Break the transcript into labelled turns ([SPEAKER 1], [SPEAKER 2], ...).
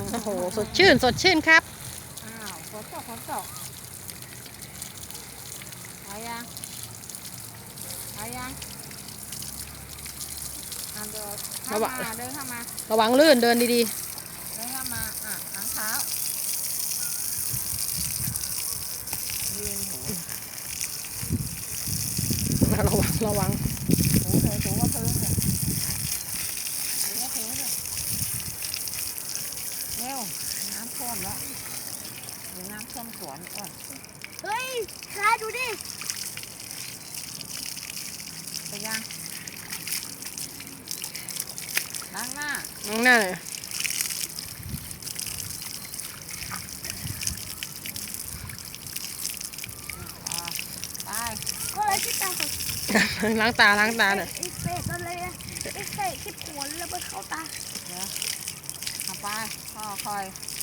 [SPEAKER 1] โอ้โหสดชื่นสดชื่นครับ
[SPEAKER 2] อ้าวฝนตกเอายังเดินเข้ามา
[SPEAKER 1] ระวังลื่นเดินดี
[SPEAKER 2] เดินเข้ามาล้างเท้ายืนหู
[SPEAKER 1] ๆระวัง
[SPEAKER 2] ถูว่าพื้นเลยถูว่าพื้นเลยเร็วน้ำท่วมแล้วหรือน้ำท่วมสวนก่อน
[SPEAKER 3] เฮ้ยคาดูดิ
[SPEAKER 2] ไปยังล้างหน้า
[SPEAKER 1] เลย
[SPEAKER 2] ไป
[SPEAKER 3] ก็เลยที่ตา
[SPEAKER 1] ล้างตาเนี่ย
[SPEAKER 3] ไอ้เป็ดอะไรอะไอ้เป็ดที่ผวนแล้วไปเข้าตา
[SPEAKER 2] เดี๋ยวไปพ่อคอย